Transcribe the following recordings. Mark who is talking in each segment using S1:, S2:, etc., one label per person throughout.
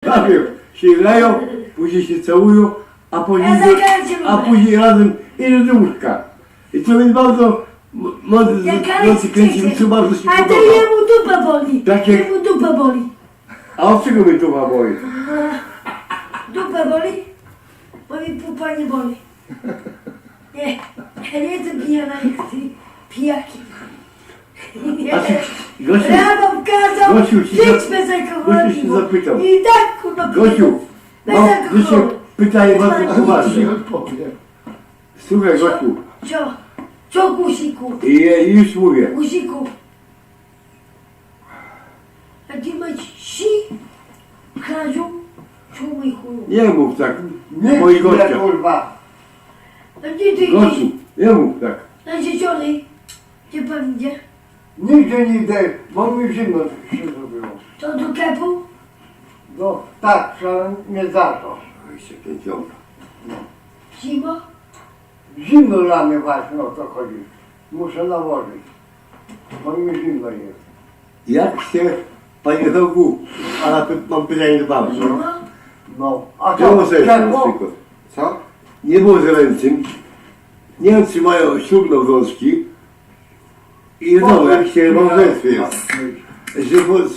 S1: Najpierw się grają, później się całują, a później,
S2: Ja zagrałem cię
S1: a później razem idą do łóżka. I to mnie bardzo mocno kręci, co bardzo się
S2: A to
S1: podoba.
S2: jemu dupa boli.
S1: Takie-
S2: Jemu dupa boli.
S1: A od czego mnie to ma boli?
S2: Dupa boli? Bo mi pupa nie boli. Nie, ja nie jestem pijana jak ty pijaki.
S1: A ty, Gosiu,
S2: Ja wam kazał
S1: Gosiu,
S2: żyć bez alkoholu.
S1: Gosiu się zapytał.
S2: I tak kurwa
S1: Gosiu,
S2: bez
S1: mam
S2: alkoholu.
S1: dzisiaj pytanie
S2: Bez
S1: bardzo
S2: alkoholu.
S1: poważne.
S3: Nie odpowiem.
S1: Słuchaj Gosiu,
S2: Co guziku?
S1: i już mówię.
S2: Guziku. A ty masz si? Kradziu? Czumy chuju.
S1: Nie mów tak,
S3: Nie,
S1: moi gościa.
S3: kurwa.
S2: A gdzie ty
S1: Gosiu,
S2: idziesz?
S1: nie mów tak.
S2: Na dzieciony? Gdzie pan idzie?
S3: Nigdzie nie idę, bo mi zimno się zrobiło.
S2: To do kepu?
S3: No tak, że nie zaczął.
S1: Oj, się pięciąga.
S2: Zimo?
S3: Zimno dla mnie właśnie o to chodzi. Muszę nałożyć. Bo mi zimno jest.
S1: Jak się, panie Rogu, a mam pytanie do pana.
S2: Zimo?
S3: No, a
S1: Czemu
S3: co?
S1: sobie na
S3: Czemu?
S1: przykład? Co? Nie było zręczym. Nie wiem, czy mają ślubno-wrączki. I wiadomo, jak się małżeństwie jest. Że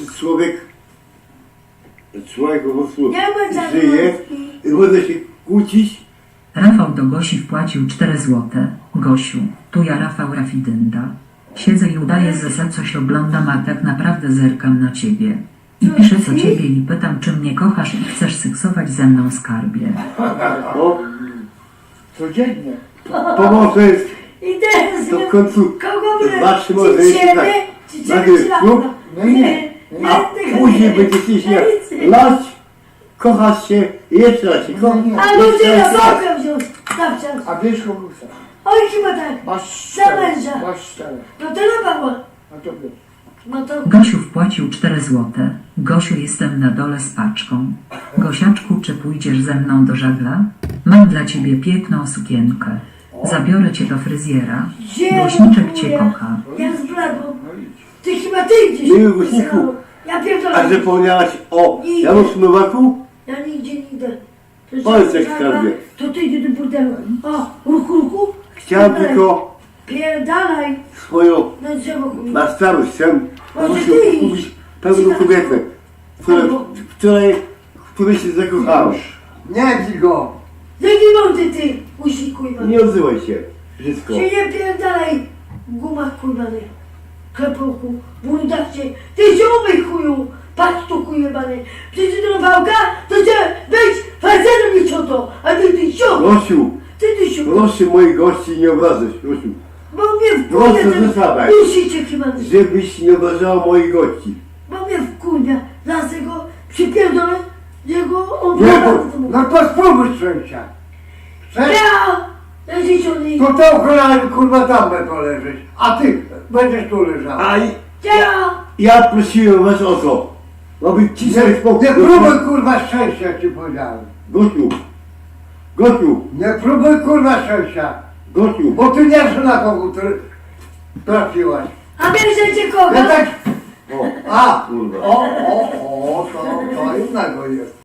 S1: człowiek po prostu
S2: Nie ma za
S1: żyje i może się kłócić.
S4: Rafał do Gosi wpłacił 4 złote. Gosiu, tu ja Rafał Rafidynda. Siedzę i udaję, że coś oglądam, a tak naprawdę zerkam na ciebie. I piszę co ciebie i pytam, czy mnie kochasz i chcesz seksować ze mną, skarbie.
S1: No,
S3: Codziennie.
S1: pomoże jest
S2: I teraz
S1: to w końcu
S2: kogo my?
S1: zobaczmy,
S2: Czy
S1: może jest
S2: ciebie?
S1: tak.
S2: Czy
S1: Najpierw
S2: ciebie?
S1: ślub, a później będziecie się lać, kochać się i jeszcze raz się kochać.
S2: A ludzie na bokę wziął zawsze.
S3: A wiesz kogo chcę?
S2: Oj, chyba tak.
S3: Masz
S2: Za męża.
S3: Masz 4.
S2: No to na Pawła.
S3: A to wiesz.
S2: No to
S4: Gosiu wpłacił 4 złote. Gosiu, jestem na dole z paczką. Gosiaczku, czy pójdziesz ze mną do żagla? Mam dla ciebie piękną sukienkę. Zabiorę cię do fryzjera. Głośniczek cię kocha.
S2: ja zbladłam. Ty chyba ty idziesz.
S1: Miły Głośniku.
S2: Ja pierdolę.
S1: A zapomniałaś o Januszu Nowaku?
S2: Ja nigdzie nie idę. To
S1: Powiedz, jak
S2: żadna-
S1: skarbie.
S2: To ty idzie do burdelu. O, ruchu.
S1: Chciałem tylko
S2: Pierdalaj.
S1: swoją
S2: Na drzewo chuj.
S1: na starość chcę
S2: Może ty idź.
S1: kupić pewną kobietę, w której się zakochałem.
S3: Nie bij go.
S2: Jaki mądry ty, usi kujma.
S1: Nie odzywaj się, wszystko.
S2: Się nie pierdalaj w gumach kujmany. Klepuchu, bundacie. Ty się umyj chuju. Patrz tu kujebany. Przecież do wałka, to chcę być facetem i cioto. A ty sio.
S1: Gosiu,
S2: Ty sio.
S1: proszę moich gości nie obrażać, Gosiu.
S2: Bo mnie
S1: Proszę,
S2: wkurwia
S1: zostawaj.
S2: ten usicie kibany.
S1: Żebyś nie obrażała moich gości.
S2: Bo mnie wkurwia. Dlatego przypierdolę jego on
S3: Nie,
S2: wraca
S3: bo,
S2: do domu.
S3: no to spróbuj szczęścia. Chcesz?
S2: Ja życiony.
S3: To to kurwa tam będą leżeć. A ty będziesz tu leżał.
S1: A
S2: Ja.
S1: prosiłem was o to, aby ci sobie spokój.
S3: Nie próbuj kurwa szczęścia, jak ci powiedziałem.
S1: Gosiu,
S3: Nie próbuj kurwa szczęścia.
S1: Gosiu,
S3: Bo ty nie wiesz na kogo trafiłaś.
S2: A bierzecie
S3: Ja
S2: kogo?
S3: tak...
S1: o,
S3: A!
S1: kurwa.
S3: O, to innego jest.